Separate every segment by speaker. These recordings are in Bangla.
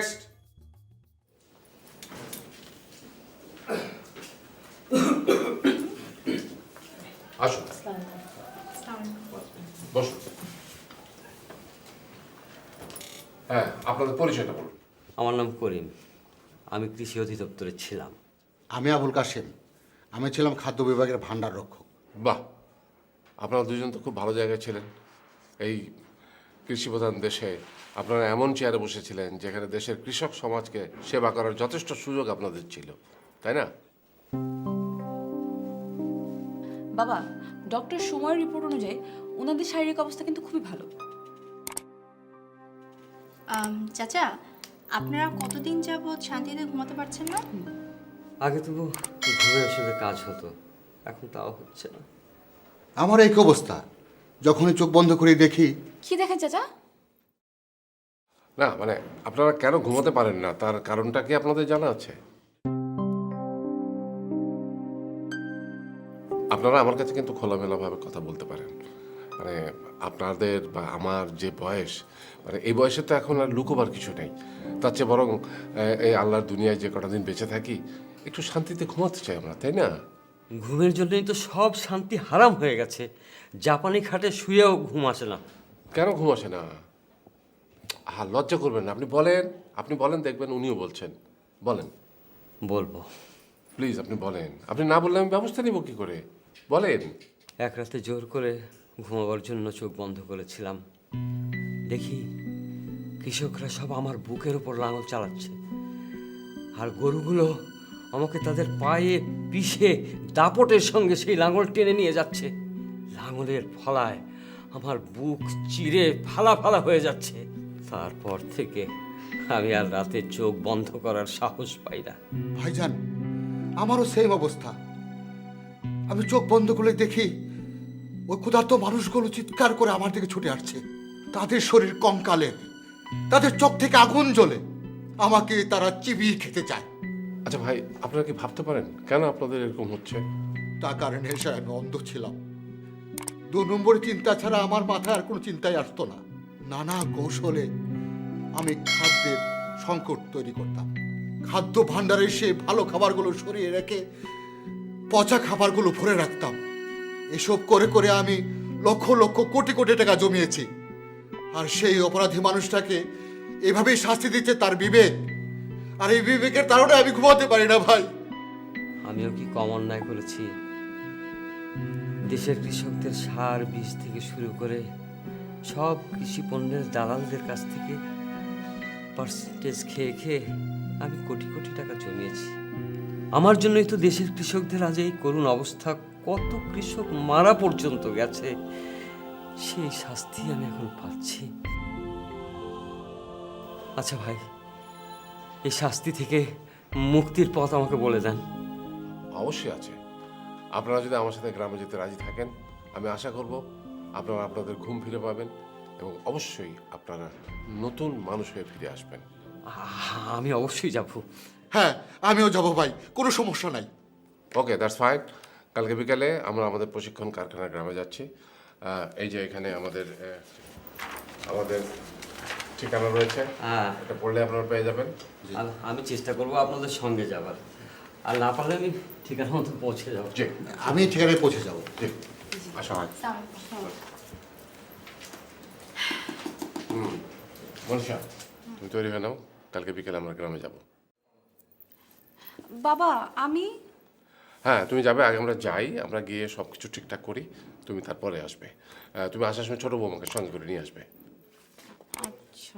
Speaker 1: নেক্সট। আসুন, বসুন। হ্যাঁ, আপনাদের পরিচয়টা বলুন।
Speaker 2: আমার নাম করিম, আমি কৃষি অধিদপ্তরে ছিলাম।
Speaker 3: আমি আবুল কাশেম, আমি ছিলাম খাদ্য বিভাগের ভাণ্ডার রক্ষক।
Speaker 1: বাহ, আপনারা দুজন তো খুব ভালো জায়গায় ছিলেন। এই কৃষিপ্রধান দেশে আপনারা এমন চেয়ারে বসেছিলেন যেখানে দেশের কৃষক সমাজকে সেবা করার যথেষ্ট সুযোগ আপনাদের ছিল, তাই না?
Speaker 4: বাবা, ডক্টর সুময়ের রিপোর্ট অনুযায়ী ওনাদের শারীরিক অবস্থা কিন্তু খুবই ভালো।
Speaker 5: চাচা, আপনারা কতদিন যাবৎ শান্তিতে ঘুমাতে পারছেন না?
Speaker 2: আগে তবু ঘুমের ওষুধে কাজ হতো, এখন তাও হচ্ছে না।
Speaker 3: আমার এই অবস্থা, যখনই চোখ বন্ধ করে দেখি।
Speaker 4: কি দেখেন চাচা?
Speaker 1: না মানে আপনারা কেন ঘুমাতে পারেন না তার কারণটা কি আপনাদের জানা আছে? আপনারা আমার কাছে কিন্তু খোলামেলাভাবে কথা বলতে পারেন। মানে আপনাদের বা আমার যে বয়স, মানে এই বয়সে তো এখন আর লুকোবার কিছু নেই। তার চেয়ে বরং এই আল্লাহর দুনিয়ায় যে কটা দিন বেঁচে থাকি একটু শান্তিতে ঘুমাতে চাই আমরা, তাই না?
Speaker 2: ঘুমের জন্যই তো সব শান্তি হারাম হয়ে গেছে। জাপানি খাটে শুয়েও ঘুম আসে না।
Speaker 1: কেন ঘুম আসে না? লজ্জা করবেন না, আপনি বলেন, দেখবেন উনিও বলছেন। বলেন,
Speaker 2: বলবো।
Speaker 1: প্লিজ আপনি বলেন। আপনি না বললে আমি ব্যবস্থা নিব কি করে? বলেন।
Speaker 2: এক রাতে জোর করে ঘুমাবার জন্য চোখ বন্ধ করেছিলাম, দেখি কৃষকরা সব আমার বুকের উপর লাঙল চালাচ্ছে, আর গরুগুলো আমাকে তাদের পায়ে পিষে দাপটের সঙ্গে সেই লাঙল টেনে নিয়ে যাচ্ছে। লাঙলের ফলায় আমার বুক চিরে ফালা ফালা হয়ে যাচ্ছে। তারপর থেকে আমি আর রাতে চোখ বন্ধ করার সাহস পাই না।
Speaker 3: ভাইজান, আমারও সেম অবস্থা। আমি চোখ বন্ধ করে দেখি ওই ক্ষুধার্ত মানুষগুলো চিৎকার করে আমার দিকে ছুটে আসছে। তাদের শরীর কঙ্কালের, তাদের চোখ থেকে আগুন জ্বলে, আমাকে তারা চিবিয়ে খেতে চায়।
Speaker 1: আচ্ছা ভাই, আপনারা কি ভাবতে পারেন কেন আপনাদের এরকম হচ্ছে?
Speaker 3: তার কারণে এসে আমি অন্ধ ছিলাম। 2 নম্বর চিন্তা ছাড়া আমার মাথায় আর কোনো চিন্তাই আসতো না। নানা কৌশলে আমি খাদ্যের সংকট তৈরি করতাম। খাদ্য ভাণ্ডারে সে ভালো খাবারগুলো সরিয়ে রেখে পচা খাবারগুলো ভরে রাখতাম। এসব করে করে আমি লক্ষ লক্ষ কোটি কোটি টাকা জমিয়েছি। আর সেই অপরাধী মানুষটাকে এভাবেই শাস্তি দিচ্ছে তার বিবেক। আর এই বিবেকের কারণে আমি ঘুমাতে পারি না ভাই।
Speaker 2: আমিও কি কম অন্যায় করেছি? দেশের কৃষকদের সার বীজ থেকে শুরু করে সব কৃষি পণ্যের দালালদের কাছ থেকে পার্সেন্টেজ খেয়ে খেয়ে আমি কোটি কোটি টাকা জমিয়েছি। আমার জন্যই তো দেশের কৃষকদের আজ এই করুণ অবস্থা। কত কৃষক মারা পর্যন্ত গেছে, সেই শাস্তি আমি এখন পাচ্ছি। আচ্ছা ভাই, এই শাস্তি থেকে মুক্তির পথ আমাকে বলে দেন।
Speaker 1: অবশ্যই আছে। আপনারা যদি আমার সাথে গ্রামে যেতে রাজি থাকেন, আমি আশা করব আপনারা আপনাদের ঘুম ফিরে পাবেন এবং অবশ্যই আপনারা নতুন মানুষ হয়ে ফিরে আসবেন।
Speaker 2: আমি অবশ্যই যাব।
Speaker 3: হ্যাঁ, আমিও যাবো ভাই, কোনো সমস্যা নাই।
Speaker 1: Okay, that's fine. কালকে বিকালে আমরা আমাদের প্রশিক্ষণ কারখানা গ্রামে যাচ্ছি। এই যে এখানে আমাদের ঠিকানা রয়েছে, এটা পড়লে আপনারা পেয়ে যাবেন।
Speaker 2: আমি চেষ্টা করব আপনাদের সঙ্গে যাবার, আর না পারলে আমি ঠিকানা মতো পৌঁছে যাবো।
Speaker 1: জি,
Speaker 3: আমি ঠিকানায় পৌঁছে যাবো।
Speaker 1: জি, আসা হয়। মনীষা, তুমি তৈরি হয়ে নাও, কালকে বিকেলে আমরা গ্রামে যাব।
Speaker 4: বাবা, আমি
Speaker 1: হ্যাঁ, তুমি যাবে, আগে আমরা যাই, আমরা গিয়ে সব কিছু ঠিকঠাক করি, তুমি তারপরে আসবে। তুমি আসার সময় ছোটো বৌমাকে সঙ্গে করে নিয়ে আসবে।
Speaker 4: আচ্ছা।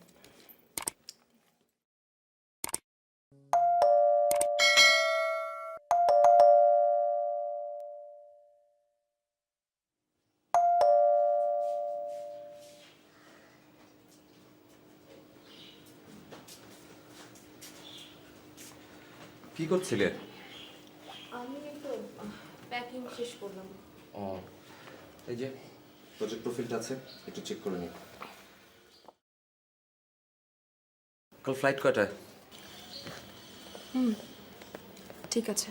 Speaker 6: কি করছিলে?
Speaker 4: আমি তো প্যাকিং শেষ করলাম।
Speaker 6: ও, এই যে প্রজেক্ট প্রোফাইলটা আছে, একটু চেক করে নিই। কাল ফ্লাইট কয়টায়?
Speaker 4: ঠিক আছে।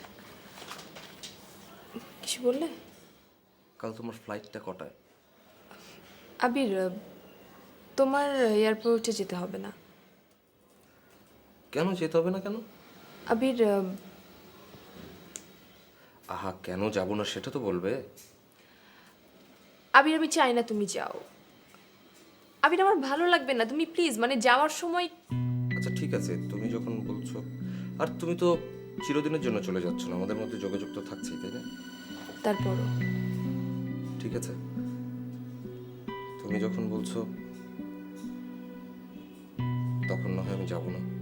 Speaker 4: কিছু বললে?
Speaker 6: কাল তোমার ফ্লাইটটা কটায়?
Speaker 4: আবির, তোমার এয়ারপোর্টে যেতে হবে না।
Speaker 6: কেন যেতে হবে না কেন?
Speaker 7: আবির
Speaker 6: আহা, কেন যাব না সেটা তো বলবে।
Speaker 7: আবির আমি চাই না তুমি যাও। আবির আমার ভালো লাগবে না, তুমি প্লিজ মানে যাওয়ার সময়।
Speaker 6: আচ্ছা ঠিক আছে, তুমি যখন বলছো। আর তুমি তো চিরদিনের জন্য চলে যাচ্ছ না, আমাদের মধ্যে যোগাযোগ তো থাকছেই, তাই না?
Speaker 7: তারপরও
Speaker 6: ঠিক আছে, তুমি যখন বলছো তখন না হয় আমি যাব না।